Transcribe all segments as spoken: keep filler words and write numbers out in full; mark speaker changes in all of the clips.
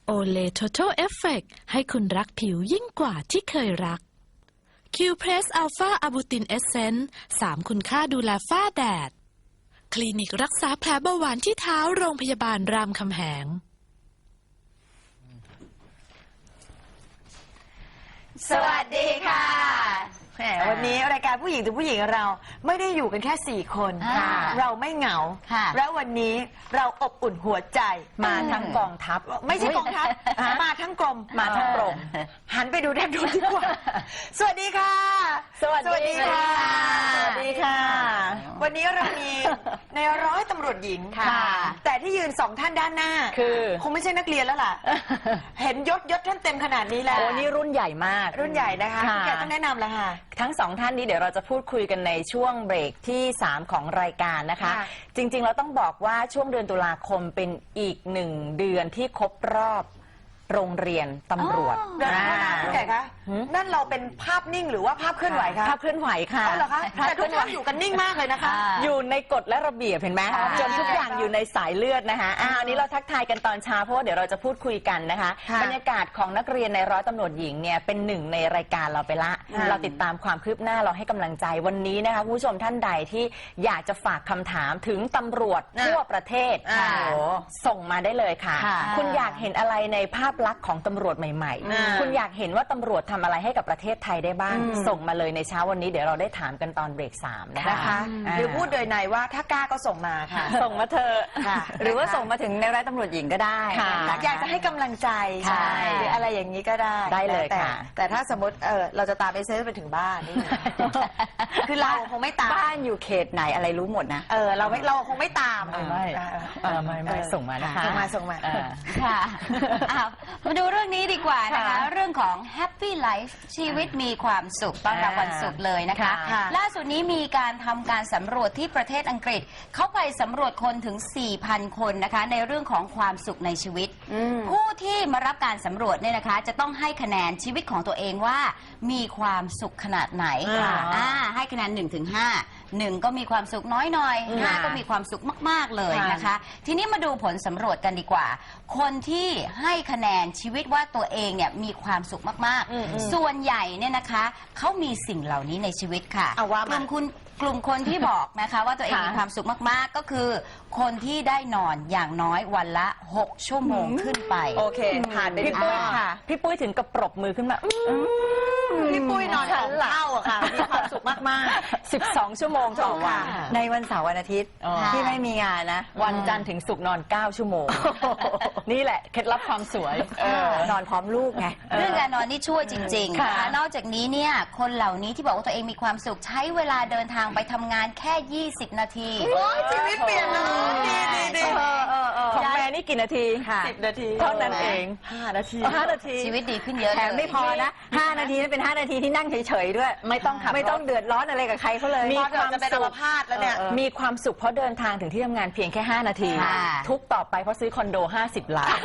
Speaker 1: Olay Total Effect ให้คุณรักผิวยิ่งกว่าที่เคยรัก Q-Press Alpha Arbutin Essence สามคุณค่าดูแลฝ้าแดด คลินิกรักษาแผลเบาหวานที่เท้าโรงพยาบาลรามคำแหง
Speaker 2: สวัสดีค่ะแหมวันนี้รายการผู้หญิงถึงผู้หญิงเราไม่ได้อยู่กันแค่สี่คนเราไม่เหงาแล้ววันนี้เราอบอุ่นหัวใจมาทั้งกองทัพไม่ใช่กองทัพมาทั้งกรมมาทั้งกรมหันไปดูด้านโน้นดีกว่าสวัสดีค่ะสวัสดีค่ะสวัสดีค่ะวันนี้เรามีในร้อยตำรวจหญิงค่ะแต่ที่ยืนสองท่านด้านหน้าคือคงไม่ใช่นักเรียนแล้วล่ะเห็นยศยศท่านเต็มขนาดนี้แล้ว
Speaker 3: โอ้นี่รุ่นใหญ่มาก
Speaker 2: รุ่นใหญ่นะคะพี่แกต้องแนะนำแล้วค่ะ
Speaker 3: ทั้งสองท่านนี้เดี๋ยวเราจะพูดคุยกันในช่วงเบรกที่สามของรายการนะคะจริงๆเราต้องบอกว่าช่วงเดือนตุลาคมเป็นอีกหนึ่งเดือนที่ครบรอบโรงเรียนตำรวจ
Speaker 2: พี่แกคะนั่นเราเป็นภาพนิ่งหรือว่าภาพเคลื่อนไหวคะ
Speaker 3: ภาพเคลื่อนไหวค่ะ
Speaker 2: เหรอคะแต่ทุกท่านอยู่กันนิ่งมากเลยนะคะ
Speaker 3: อยู่ในกฎและระเบียบเห็นไหมจนทุกอย่างอยู่ในสายเลือดนะคะอ่าอันนี้เราทักทายกันตอนเช้าเพราะว่าเดี๋ยวเราจะพูดคุยกันนะคะบรรยากาศของนักเรียนในร้อยตำรวจหญิงเนี่ยเป็นหนึ่งในรายการเราไปละเราติดตามความคืบหน้าเราให้กำลังใจวันนี้นะคะคุณผู้ชมท่านใดที่อยากจะฝากคำถามถึงตำรวจทั่วประเทศส่งมาได้เลยค่ะคุณอยากเห็นอะไรในภาพลักษณ์ของตำรวจใหม่ๆคุณอยากเห็นว่าตำรวจทำอะไรให้กับประเทศไทยได้บ้างส่งมาเลยในเช้าวันนี้เดี๋ยวเราได้ถามกันตอนเบรกสามนะคะ
Speaker 2: หรือพูดโดยในว่าถ้ากล้าก็ส่งมาค่ะ
Speaker 3: ส่งมาเธอ
Speaker 4: หรือว่าส่งมาถึงในร้อยตำรวจหญิงก็ได้
Speaker 2: อยากจะให้กำลังใจหรืออะไรอย่างนี้ก็ได้
Speaker 3: ได้เลย
Speaker 2: ค่ะแต่ถ้าสมมติเออเราจะตามไปเซฟไปถึงบ้านนี่คือเราคงไม่ตาม
Speaker 4: บ้านอยู่เขตไหนอะไรรู้หมดนะ
Speaker 2: เออเราไม่เราคงไม่ตาม
Speaker 3: ไม่ไม่ไม่ส่งมานะคะ
Speaker 2: ส่งมาส่งมา
Speaker 5: ค่ะมาดูเรื่องนี้ดีกว่านะคะเรื่องของ Happy Life ชีวิตมีความสุขต้อนรับวันศุกร์เลยนะคะล่าสุดนี้มีการทำการสำรวจที่ประเทศอังกฤษเขาไปสำรวจคนถึง สี่พัน คนนะคะในเรื่องของความสุขในชีวิตผู้ที่มารับการสำรวจเนี่ยนะคะจะต้องให้คะแนนชีวิตของตัวเองว่ามีความสุขขนาดไหนอ่าให้คะแนน หนึ่งถึงห้า หนึ่งก็มีความสุขน้อยหน่อยห้าก็มีความสุขมากๆเลยนะคะทีนี้มาดูผลสำรวจกันดีกว่าคนที่ให้คะแนนชีวิตว่าตัวเองเนี่ยมีความสุขมากๆส่วนใหญ่เนี่ยนะคะเขามีสิ่งเหล่านี้ในชีวิตค่ะกลุ่มคุณกลุ่มคนที่บอกนะคะว่าตัวเองมีความสุขมากๆก็คือคนที่ได้นอนอย่างน้อยวันละหกชั่วโมงขึ้นไป
Speaker 2: โอเคผ่านไป
Speaker 3: พี่ปุ้ยค่ะพี่ปุ้ยถึงกับปรบมือขึ้นมา
Speaker 2: พี่ปุ้ยนอนสองเท่าอะค่ะมีความสุขมาก
Speaker 3: ๆสิบสองชั่วโมงต่อวัน
Speaker 4: ในวันเสาร์วันอาทิตย์ที่ไม่มีงานนะ
Speaker 3: วันจันทร์ถึงศุกร์นอนเก้าชั่วโมงนี่แหละเคล็ดลับความสวย
Speaker 4: นอนพร้อมลูกไง
Speaker 5: เรื่องการนอนนี่ช่วยจริงๆนะคะนอกจากนี้เนี่ยคนเหล่านี้ที่บอกว่าตัวเองมีความสุขใช้เวลาเดินทางไปทำงานแค่ยี่สิบนาที
Speaker 2: โอ้ยชีวิตเปลี่ยนเลยดีดีดี
Speaker 3: ของแม่นี่กี่นาที
Speaker 2: สิบนาที
Speaker 3: เท่านั้นเอง
Speaker 2: ห้านาที
Speaker 3: ห้านาที
Speaker 5: ชีวิตดีขึ้นเยอะ
Speaker 4: แถมไม่พอนะห้านาทีนั้นเป็นห้านาทีที่นั่งเฉยๆด้วย
Speaker 3: ไม่ต้องขับ
Speaker 4: ไม่ต้องเดือดร้อนอะไรกับใครเขาเลย
Speaker 2: มีความจะเป็นอัมพาตแล้วเนี่ย
Speaker 3: มีความสุขเพราะเดินทางถึงที่ทำงานเพียงแค่ห้านาทีทุกต่อไปเพราะซื้อคอนโดห้าสิบล้าน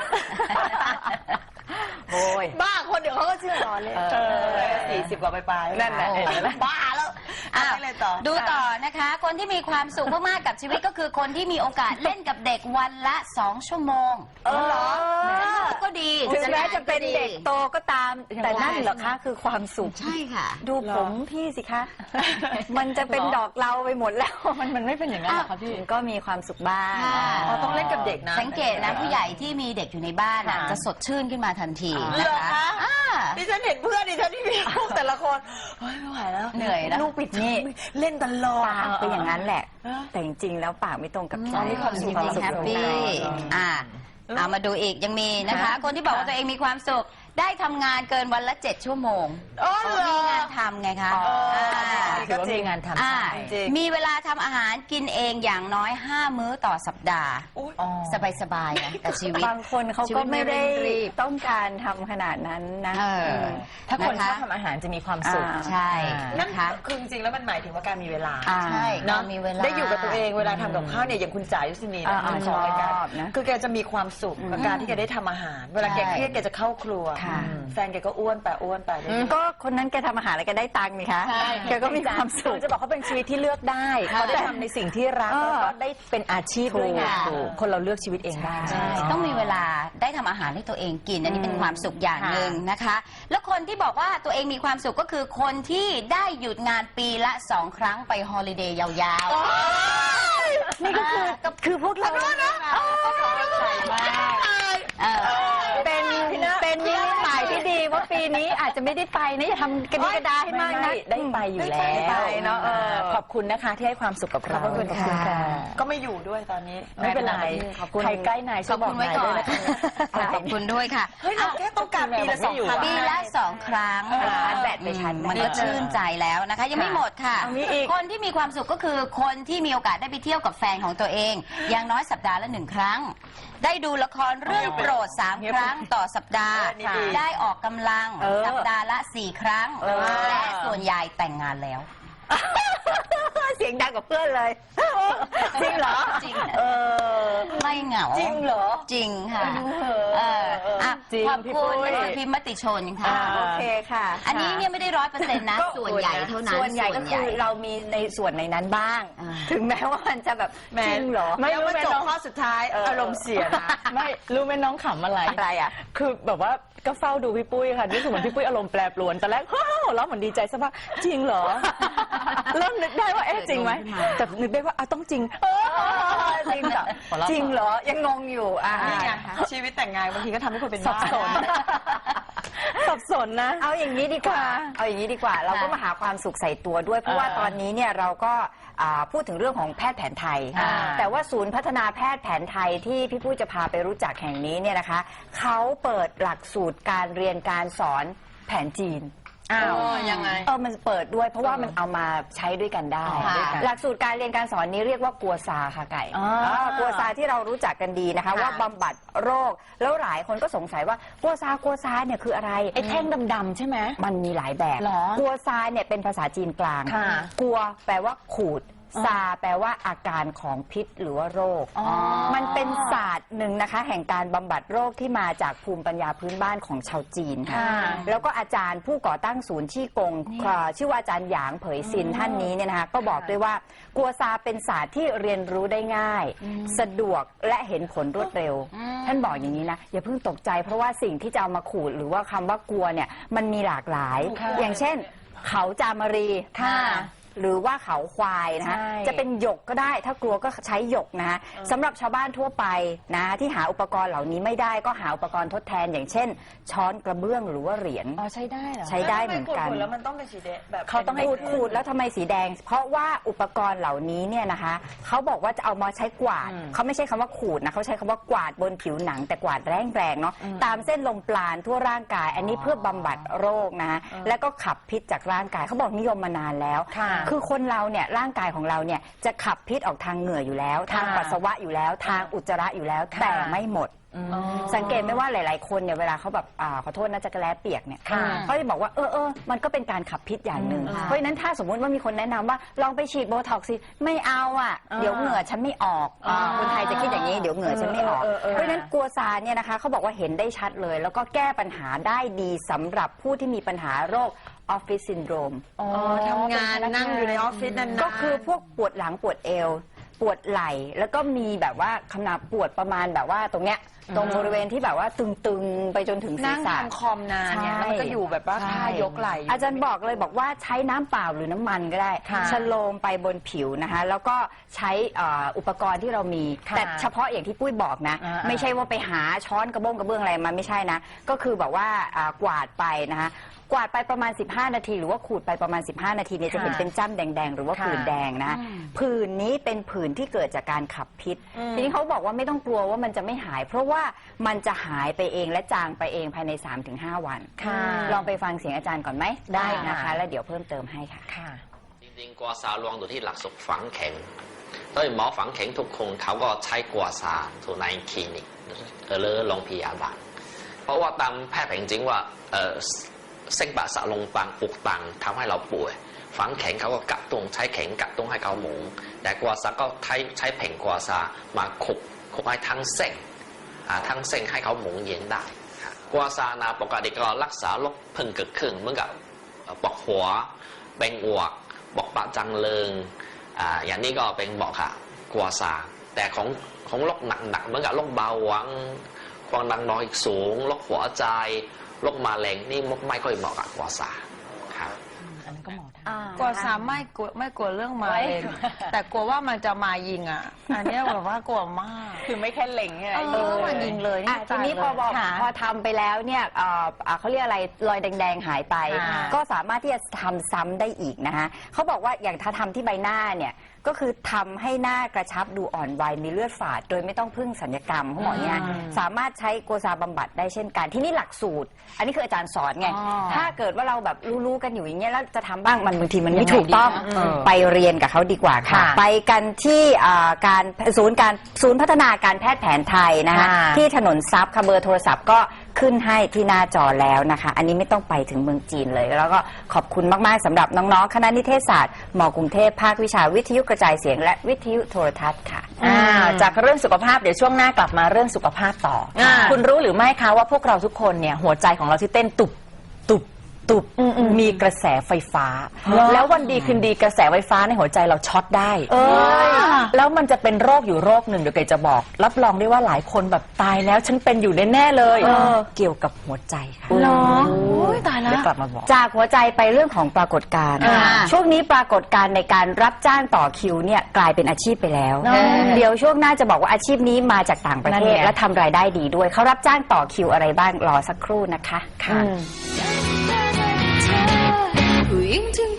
Speaker 2: โอ้ยบ้าคนเดี๋ยวเขาก็เชื่อรอเลยสี่สิบกว่าไปๆ
Speaker 3: นั่นแหละ
Speaker 2: บ้าแล้ว
Speaker 5: ดูต่อนะคะคนที่มีความสุขมากๆกับชีวิตก็คือคนที่มีโอกาสเล่นกับเด็กวันละสองชั่วโมง
Speaker 2: เออเหรอ
Speaker 5: ก็ดี
Speaker 4: ถึงแม้จะเป็นเด็กโตก็ตามแต่นั่นเหรอคะคือความสุข
Speaker 5: ใช่ค่ะ
Speaker 4: ดูผมพี่สิคะมันจะเป็นดอกเราไปหมดแล้ว
Speaker 3: มันมันไม่เป็นอย่างนั้นหรอคะพี่
Speaker 4: ก็มีความสุขบ้าง
Speaker 2: ต้องเล่นกับเด็กนะ
Speaker 5: สังเกตนะผู้ใหญ่ที่มีเด็กอยู่ในบ้านจะสดชื่นขึ้นมาทันทีนะคะ
Speaker 2: ดิฉันเห็นเพื่อนดิฉันที่มีลูกแต่ละคนไม่ไหวแล้ว
Speaker 5: เหนื่อยนะ
Speaker 4: ลูกปิดนี่
Speaker 2: เล่นตลอด
Speaker 4: ปากเป็นอย่างนั้นแหละแต่จริงๆแล้วปากไม่ตรงกับใจ
Speaker 5: มีความสุขแฮปปี้อ่าเอามาดูอีกยังมีนะคะคนที่บอกว่าตัวเองมีความสุขได้ทำงานเกินวันละเจ็ดชั่วโมงมีงานทำไงคะ
Speaker 3: ถือว่ามีงานท
Speaker 5: ำมีเวลาทำอาหารกินเองอย่างน้อยห้ามื้อต่อสัปดาห์สบายๆนะแต่ชีวิต
Speaker 4: บางคนเขาก็ไม่ได้ต้องการทำขนาดนั้นนะ
Speaker 3: ถ้าคนชอบทำอาหารจะมีความสุข
Speaker 5: ใช่
Speaker 2: นะคะคือจริงๆแล้วมันหมายถึงว่าการมีเวลา
Speaker 5: ใช่เนาะมีเวลา
Speaker 2: ได้อยู่กับตัวเองเวลาทำกับข้าวเนี่ยอย่างคุณจ๋ายุสินีนะของรายการคือแกจะมีความสุขกับการที่แกได้ทำอาหารเวลาแกเครียดแกจะเข้าครัวแฟนแกก็อ้วนไปอ้วนไป
Speaker 4: ก็คนนั้นแกทำอาหารแล้วแกได้ตังค์นี่คะแกก็มีความสุข
Speaker 3: จะบอกเขาเป็นชีวิตที่เลือกได้เขาได้ทำในสิ่งที่รักแล้วก็ได้เป็นอาชีพด้วยไงคนเราเลือกชีวิตเองได้
Speaker 5: ต้องมีเวลาได้ทำอาหารให้ตัวเองกินอันนี้เป็นความสุขอย่างหนึ่งนะคะ แล้วคนที่บอกว่าตัวเองมีความสุขก็คือคนที่ได้หยุดงานปีละสองครั้งไปฮอลิเดย์ยาวๆนี่ก็คือคือพวกเรา
Speaker 4: เป็นเป็นนิมิตหมายที่ดีว่าปีนี้อาจจะไม่ได้ไปนะอย่าทำกันกระดาให้มากนะ
Speaker 3: ได้ไปอยู่แล้ว
Speaker 2: ได้ไปเนอะเออ
Speaker 3: ขอบคุณนะคะที่ให้ความสุขกับเรา
Speaker 2: ขอบคุณค่ะก็ไม่อยู่ด้วยตอนนี้
Speaker 3: ไม่เป็นไร
Speaker 2: ขอบคุณ
Speaker 3: ใครใกล้นาย
Speaker 5: ข
Speaker 3: ช่ว
Speaker 5: อย บ
Speaker 3: บอ
Speaker 5: คุ
Speaker 3: ก
Speaker 5: ณไว้
Speaker 3: นาย
Speaker 5: ก่อ
Speaker 3: ด้วย
Speaker 5: น
Speaker 3: นะคะ
Speaker 5: ขอบคุณด้วยค่ะ
Speaker 2: เฮ้ยเราแค่ต้องการปีละสองครั้ง
Speaker 5: ปีละสองครั้ง
Speaker 3: ชาร์จแบตไปชาร์จแบต
Speaker 5: มันก็ชื่นใจแล้วนะคะ ยังไม่หมดค่ะ
Speaker 3: เอามีอีก
Speaker 5: คนที่มีความสุขก็คือคนที่มีโอกาสได้ไปเที่ยวกับแฟนของตัวเอง อย่างน้อยสัปดาห์ละหนึ่งครั้ง ได้ดูละครเรื่องโปรดสามครั้งต่อสัปดาห์ ได้ออกกำลัง
Speaker 3: เออ
Speaker 5: สัปดาห์ละสี่ครั้ง
Speaker 3: เออ
Speaker 5: และส่วนใหญ่แต่งงานแล้ว
Speaker 4: เสียงดังกับเพื่อนเลย
Speaker 3: จริงเหรอ
Speaker 5: จริง
Speaker 3: เออ
Speaker 5: ไม่เหงา
Speaker 3: จริงเหรอ
Speaker 5: จริงค่ะ
Speaker 3: เอ
Speaker 5: เอ
Speaker 3: อ
Speaker 5: ออ่ะ
Speaker 3: จริง
Speaker 5: ขอบ
Speaker 3: พี่
Speaker 5: คุ
Speaker 3: ปุ้
Speaker 5: ณ
Speaker 3: ย
Speaker 5: หนังสือพิมพ์มติชนค่ะ
Speaker 3: อ่า
Speaker 4: โอเคค่ะ
Speaker 5: อันนี้เนี่ยไม่ได้ร้อยเปอร์เซ็นต์นะ
Speaker 3: ก็
Speaker 5: ส่วนใหญ่เท่านั้น
Speaker 4: ส่วนใหญ่ก็คือเรามีในส่วนในนั้นบ้าง
Speaker 5: อ่า
Speaker 4: ถึงแม้ว่ามันจะแบบจริงเหรอ
Speaker 3: ไม่
Speaker 2: แล้ว
Speaker 3: รู้
Speaker 2: มา
Speaker 3: ไหม
Speaker 2: จบ
Speaker 3: น้อง
Speaker 2: ข้อสุดท้าย
Speaker 3: เอออ
Speaker 2: อารมณ์เสียนะ
Speaker 3: ไม่รู้ไหมน้องขำอะไร
Speaker 4: อะไรอ่ะ
Speaker 3: คือแบบว่าก็เฝ้าดูพี่ปุ้ยค่ะรู้สึกเหมือนพี่ปุ้ยอารมณ์แปรปรวนตอนแรกฮ่าแล้วเหมือนดีใจสักพักจริงเหรอ เริ่มนึกได้ว่าเอ๊ะจริงไหมแต่นึกได้ว่าอ่ะต้องจริงเออจริงจ้ะ
Speaker 4: จริงเหรอ ยังงงอยู่อ่า
Speaker 2: นี่ไงชีวิตแต่งงานบางทีก็ทำให้คนเป็น
Speaker 3: สับ
Speaker 2: บ้า
Speaker 3: สน สับสนนะ
Speaker 4: เอาอย่างนี้ดีกว่า
Speaker 3: ค่ะ
Speaker 4: เอาอย่างนี้ดีกว่า เราก็มาหาความสุขใส่ตัวด้วย เพราะว่า
Speaker 3: อ่า
Speaker 4: ตอนนี้เนี่ยเราก็อ่าพูดถึงเรื่องของแพทย์แผนไทย
Speaker 3: อ่า
Speaker 4: แต่ว่าศูนย์พัฒนาแพทย์แผนไทยที่พี่ปุ้ยจะพาไปรู้จักแห่งนี้เนี่ยนะคะ เขาเปิดหลักสูตรการเรียนการสอนแผนจีน
Speaker 3: อ้าว
Speaker 2: ยังไง
Speaker 4: เออมันเปิดด้วยเพราะว่ามันเอามาใช้ด้วยกันได้
Speaker 5: ค่ะ
Speaker 4: ด้วยกันหลักสูตรการเรียนการสอนนี้เรียกว่ากัวซาค่ะไก่
Speaker 3: อ๋ออ่
Speaker 4: ากัวซาที่เรารู้จักกันดีนะคะ ว่าบำบัดโรค แล้วหลายคนก็สงสัยว่ากัวซากัวซาเนี่ยคืออะไร
Speaker 3: ไอ้แท่งดำๆใช่ไหม
Speaker 4: มันมีหลายแบบ
Speaker 3: หรอ
Speaker 4: กัวซาเนี่ยเป็นภาษาจีนกลาง
Speaker 3: ค่ะ
Speaker 4: กัวแปลว่าขูด ซาแปลว่าอาการของพิษหรือว่าโรค
Speaker 3: อ๋อ
Speaker 4: มันเป็นศาสตร์หนึ่งนะคะ แห่งการบำบัดโรคที่มาจากภูมิปัญญาพื้นบ้านของชาวจีนค่ะ
Speaker 3: ค่ะ
Speaker 4: แล้วก็อาจารย์ผู้ก่อตั้งศูนย์ชี่กงเอ่อชื่อว่าอาจารย์หยางเผยซินท่านนี้เนี่ยนะคะก็บอกด้วยว่ากัวซาเป็นศาสตร์ที่เรียนรู้ได้ง่าย สะดวกและเห็นผลรวดเร็ว ท่านบอกอย่างนี้นะอย่าเพิ่งตกใจเพราะว่าสิ่งที่จะเอามาขูดหรือว่าคำว่ากัวเนี่ยมันมีหลากหลาย
Speaker 3: ค่ะ
Speaker 4: อย่างเช่น เขาจามรี
Speaker 3: ค่ะ
Speaker 4: หรือว่าเขาควายนะคะ
Speaker 3: ใช่
Speaker 4: จะเป็นหยกก็ได้ ถ้ากลัวก็ใช้หยกนะคะสำหรับชาวบ้านทั่วไปนะที่หาอุปกรณ์เหล่านี้ไม่ได้ก็หาอุปกรณ์ทดแทน อย่างเช่น ช้อนกระเบื้องหรือว่าเหรียญ
Speaker 3: อ๋อใช้ได้เหรอ
Speaker 4: ใช้ได้เหมือนกัน
Speaker 2: ขูดๆแล้วมันต้องเป็นสีแดงแบบ
Speaker 3: เขาต้องให้
Speaker 4: ขูดขูดแล้วทำไมสีแดง เพราะว่าอุปกรณ์เหล่านี้เนี่ยนะคะเขาบอกว่าจะเอามาใช้กวาด
Speaker 3: อืม
Speaker 4: เขาไม่ใช่คำว่าขูดนะเขาใช้คำว่ากวาดบนผิวหนัง แต่กวาดแรงๆเนาะตามเส้นลมปราณทั่วร่างกาย อันนี้เพื่อบำบัดโรคนะคะแล้วก็ขับพิษจากร่างกายเขาบอกนิยมมานานแล้ว
Speaker 3: ค่ะ
Speaker 4: คือคนเราเนี่ยร่างกายของเราเนี่ยจะขับพิษออกทางเหงื่ออยู่แล้ว ทาง
Speaker 3: ค่ะ
Speaker 4: ปัสสาวะอยู่แล้ว ทางอุจจาระอยู่แล้ว
Speaker 3: ค่ะ
Speaker 4: แต่ไม่หมด
Speaker 3: อืม
Speaker 4: สังเกตไหมว่าหลาย ๆ คนเนี่ยเวลาเขาแบบอ่าขอโทษนะจักรแล้เปียกเนี่ย
Speaker 3: ค่ะ
Speaker 4: เขาจะบอกว่าเออเออมันก็เป็นการขับพิษอย่างหนึ่ง
Speaker 3: อืม
Speaker 4: เพราะฉะนั้นถ้าสมมุติว่ามีคนแนะนำว่าลองไปฉีดโบท็อกซ์สิไม่เอาอ่ะ
Speaker 3: อ่า
Speaker 4: เดี๋ยวเหงื่อฉันไม่ออก
Speaker 3: อ่า
Speaker 4: คนไทยจะคิดอย่างนี้เดี๋ยวเหงื่อฉันไม่ออก
Speaker 3: เออเออเออ
Speaker 4: เพราะฉะนั้นกัวซาเนี่ยนะคะเขาบอกว่าเห็นได้ชัดเลย แล้วก็แก้ปัญหาได้ดีสำหรับผู้ที่มีปัญหาโรคออฟฟิศซินโดรม
Speaker 3: อ๋อ
Speaker 2: ทำงานนั่งอยู่ในออฟฟิศนานๆ
Speaker 4: ก็คือพวกปวดหลังปวดเอว ปวดไหล่แล้วก็มีแบบว่าขนาดปวดประมาณแบบว่าตรงเนี้ยตรงบริเวณที่แบบว่าตึงๆ ไปจนถึงศีร
Speaker 2: นั่ง
Speaker 4: ษะ
Speaker 2: ทำคอมนานเนี่ยแล้วมันก็อยู่แบบว่าท่ายกไหล่
Speaker 4: อาจารย์บอกเลยบอกว่าใช้น้ำเปล่าหรือน้ำมันก็ได้
Speaker 3: ค่ะ
Speaker 4: ชโลมไปบนผิวนะคะแล้วก็ใช้เอ่ออุปกรณ์ที่เรามี
Speaker 3: ค่ะ
Speaker 4: แต่เฉพาะอย่างที่ปุ้ยบอกนะ
Speaker 3: อ่า
Speaker 4: ไม่ใช่ว่าไปหาช้อนกระบ้งกระเบื้องอะไรมาไม่ใช่นะ ก็คือแบบว่าอ่ากวาดไปนะคะกวาดไปประมาณ สิบห้า นาที หรือว่าขูดไปประมาณ สิบห้า นาทีเนี่ยจะเห็น
Speaker 3: ค่ะ
Speaker 4: เป็นจ้ำแดงๆ หรือว่า
Speaker 3: ค่ะ
Speaker 4: ผื่นแดงนะผื่นนี้เป็นผื่นที่เกิดจากการขับพิษ ทีนี้เขาบอกว่าไม่ต้องกลัวว่ามันจะไม่หาย เพราะว่ามันจะหายไปเองและจางไปเองภายใน สามถึงห้า วัน
Speaker 3: ค่ะ
Speaker 4: ลองไปฟังเสียงอาจารย์ก่อนไหม
Speaker 3: ได้
Speaker 4: นะคะ
Speaker 3: ค่ะ
Speaker 4: แล้วเดี๋ยวเพิ่มเติมให้ค่ะ
Speaker 3: ค่ะ
Speaker 6: จริงๆกัวซารวมอยู่ที่หลักสูตรฝังเข็มโดยหมอฝังเข็มทุกคนเขาก็ใช้กัวซาอยู่ในคลินิกหรือโรงพยาบาลเพราะว่าตามแพทย์แผนจริงว่าเอ่อเส้นประสาทลงตังอุกตังทำให้เราป่วยฝังเข็มเขาก็กระตุ้นใช้เข็มกระตุ้นให้เขาหมุนแต่กัวซาก็ใช้ใช้แผงกัวซามาขุกขุกให้ทั้งเส้นอ่าทั้งเส้นให้เขาหมุนเย็นได้ครับกัวซานะปกติก็รักษาโรคเพิ่งเกิดขึ้นเหมือนกับปวดหัวเป็นอวกบอกปะจังเริงอ่าอย่างนี้ก็เป็นบอกค่ะกัวซาแต่ของของโรคหนักๆเหมือนกับโรคเบาหวานคความดันโลหิตสูงโรคหัวใจโรคมะเร็งนี่ไม่ค่อยเหมาะกับกัวซาครับ
Speaker 3: อันนั้นก็หมอท
Speaker 2: กลัวสามไม่กลัวไม่กลัวเรื่องมาเองแต่กลัวว่ามันจะมายิงอ่ะ อันเนี้ยแบบว่ากลัวมาก
Speaker 3: ำคือไม่แค่เล็งใช่ไหม
Speaker 2: เออมันยิงเลย
Speaker 4: อ่ะทีนี้พอบอกพอทำไปแล้วเนี่ยเอ่ออ่ะเขาเรียกอะไรรอยแดงๆหายไป
Speaker 2: อ่า
Speaker 4: ก็สามารถที่จะทำซ้ำได้อีกนะคะเขาบอกว่าอย่างถ้าทำที่ใบหน้าเนี่ยก็คือทำให้หน้ากระชับดูอ่อนวัยมีเลือดฝาด โดยไม่ต้องพึ่งศัลยกรรมเขาบอกเนี่ยสามารถใช้กัวซาบำบัดได้เช่นกันที่นี่หลักสูตร อันนี้คืออาจารย์สอนไง ถ้าเกิดว่าเราแบบรู้ๆกันอยู่อย่างเงี้ยแล้วจะทำบ้างมันบางทีมันไม่ถูกต้องไปเรียนกับเขาดีกว่าค่ะ
Speaker 3: ค่ะ
Speaker 4: ไปกันที่อ่าการศูนย์การศูนย์พัฒนาการแพทย์แผนไทยนะคะ
Speaker 3: ค่ะ
Speaker 4: ที่ถนนทรัพย์ค่ะเบอร์โทรศัพท์ก็ขึ้นให้ที่หน้าจอแล้วนะคะ อันนี้ไม่ต้องไปถึงเมืองจีนเลย แล้วก็ขอบคุณมากๆสำหรับน้องๆคณะนิเทศศาสตร์มกรุงเทพภาควิชาวิทยุกระจายเสียงและวิทยุโทรทัศน์ค่ะ
Speaker 3: อ่าจากเรื่องสุขภาพเดี๋ยวช่วงหน้ากลับมาเรื่องสุขภาพต่ออา คุณรู้หรือไม่คะว่าพวกเราทุกคนเนี่ยหัวใจของเราที่เต้นตุบตุบตุบมีกระแสไฟฟ้า แล้ววันดีคืนดีกระแสไฟฟ้าในหัวใจเราช็อตได้แล้วมันจะเป็นโรคอยู่โรคหนึ่งเดี๋ยวเกจะบอก รับรองได้ว่าหลายคนแบบตายแล้วฉันเป็นอยู่แน่ๆเลยเกี่ยวกับหัวใจค่ะ
Speaker 4: เหรอ
Speaker 3: ตายแล้วเดี๋ยวกลับมาบอก
Speaker 4: จากหัวใจไปเรื่องของปรากฏการณ์
Speaker 3: อ่า
Speaker 4: ช่วงนี้ปรากฏการณ์ในการรับจ้างต่อคิวเนี่ยกลายเป็นอาชีพไปแล้ว
Speaker 3: เออ
Speaker 4: เดี๋ยวช่วงหน้าจะบอกว่าอาชีพนี้มาจากต่างประเท
Speaker 3: นั่
Speaker 4: ศ
Speaker 3: นไง
Speaker 4: และทำรายได้ดีด้วย เขารับจ้างต่อคิวอะไรบ้างรอสักครู่นะคะ
Speaker 3: ค่ะ
Speaker 7: ผู้หญิงถึง